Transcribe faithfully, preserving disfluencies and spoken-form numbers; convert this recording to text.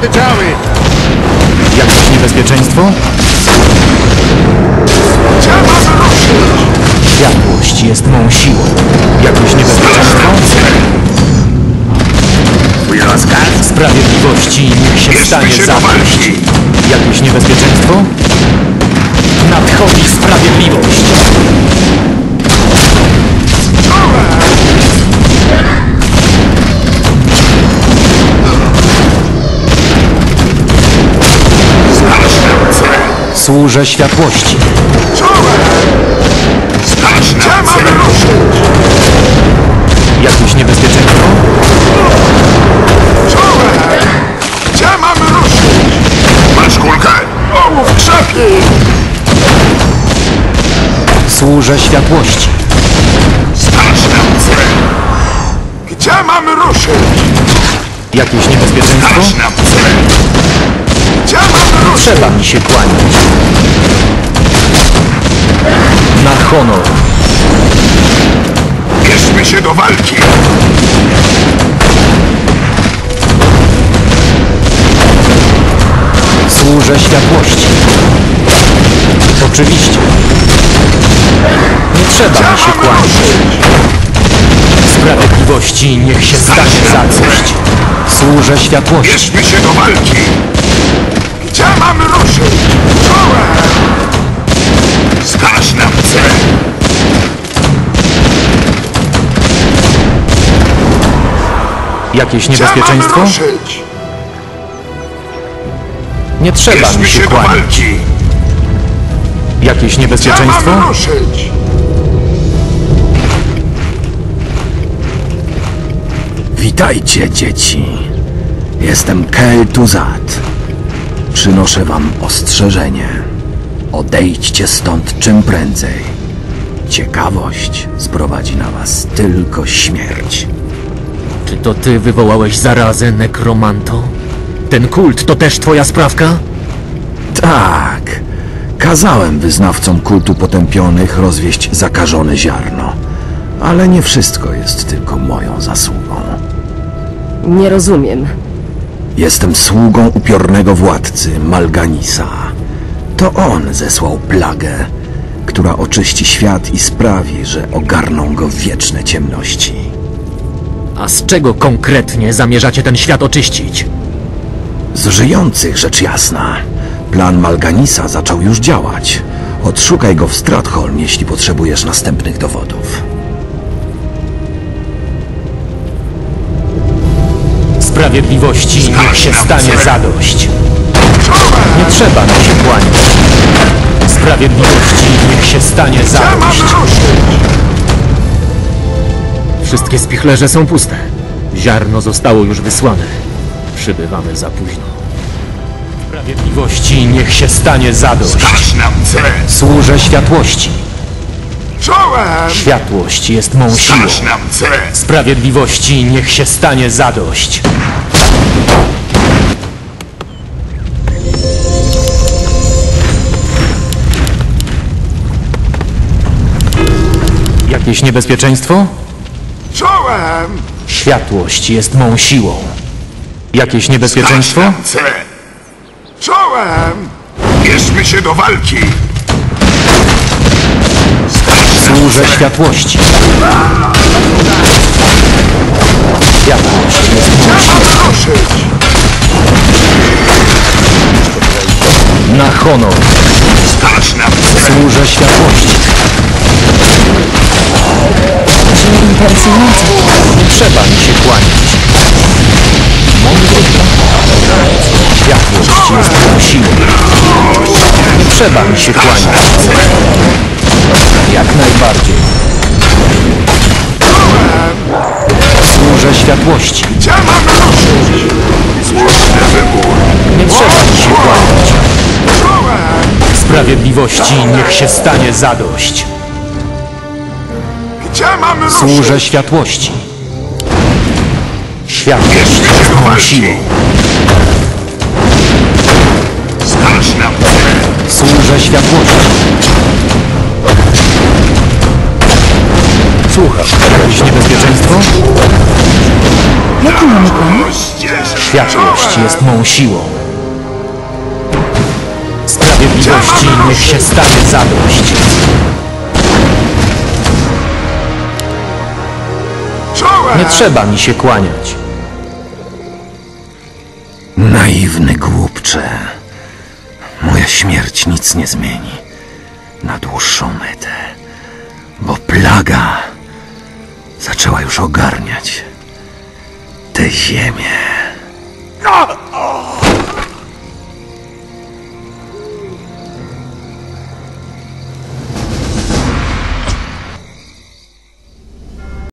oddziały! Jakieś niebezpieczeństwo? Gdzie mamy ruszyć? Światłość jest mą siłą. Jakieś niebezpieczeństwo? Twój rozkaz? Sprawiedliwości niech się stanie Bierzmy się do zadość. walki! Jakieś niebezpieczeństwo? Nadchodzi sprawiedliwość. Służę światłości. Gdzie mamy ruszyć? Jakieś niebezpieczeństwo? Czołem! Gdzie mamy ruszyć? Masz kulkę! Ołów krzepi! Służę światłości. Straż nam cel! Gdzie mamy ruszyć? Jakieś niebezpieczeństwo? Straż nam cel! Gdzie mamy ruszyć? Trzeba mi się kłaniać. Na honor. Bierzmy się do walki! Służę światłości. Oczywiście. Nie trzeba mi się kłaniać. Sprawiedliwości niech się stanie zadość. Służę światłości. Bierzmy się do walki! Gdzie mamy ruszyć? Czołem! Straż nam cel! Jakieś Gdzie niebezpieczeństwo? mamy ruszyć? Nie trzeba Bierzmy mi się się do kłaniać. walki! Jakieś Gdzie niebezpieczeństwo? mamy ruszyć? Witajcie, dzieci. Jestem Kel Tuzat. Przynoszę wam ostrzeżenie. Odejdźcie stąd czym prędzej. Ciekawość sprowadzi na was tylko śmierć. Czy to ty wywołałeś zarazę, nekromanto? Ten kult to też twoja sprawka? Tak. Kazałem wyznawcom kultu potępionych rozwieść zakażone ziarno. Ale nie wszystko jest tylko moją zasługą. Nie rozumiem. Jestem sługą upiornego władcy Malganisa. To on zesłał plagę, która oczyści świat i sprawi, że ogarną go wieczne ciemności. A z czego konkretnie zamierzacie ten świat oczyścić? Z żyjących, rzecz jasna. Plan Malganisa zaczął już działać. Odszukaj go w Stratholm, jeśli potrzebujesz następnych dowodów. Sprawiedliwości niech się stanie zadość. Czołem! Nie trzeba mi się kłaniać. Sprawiedliwości niech się stanie Gdzie mamy zadość. ruszyć? Wszystkie spichlerze są puste. Ziarno zostało już wysłane. Przybywamy za późno. Sprawiedliwości niech się stanie zadość. Straż nam cel! Służę światłości. Czołem! Światłość jest mą siłą. Straż nam cel! Sprawiedliwości niech się stanie zadość. Jakieś niebezpieczeństwo? Czołem! Światłość jest mą siłą. Jakieś niebezpieczeństwo? Straż nam cel! Czołem! Bierzmy się do walki! Straż nam Służę cel! światłości. Światłość jest mą Gdzie siłą. mamy ruszyć? Na honor. Straż nam cel! Służę światłości. Brzmi interesująco. Nie trzeba mi się kłaniać. Mądry plan. Światłość jest mą siłą. Nie trzeba mi się kłaniać. Jak najbardziej. Służę światłości. Gdzie mamy ruszyć? Słuszny wybór! Nie trzeba mi się kłaniać. Czołem! Sprawiedliwości niech się stanie zadość. Gdzie mamy ruszyć? Służę światłości. Światłość Bierzmy się jest do mą walki! siłą. Straż nam cel! Służę światłości. Słucham. Jakieś niebezpieczeństwo? Jaki mamy plan? Światłość jest mą swoją siłą. Sprawiedliwości niech się stanie zadość. Czołem! Nie trzeba mi się kłaniać. Naiwny głupcze. Moja śmierć nic nie zmieni na dłuższą metę, bo plaga zaczęła już ogarniać tę ziemię. No!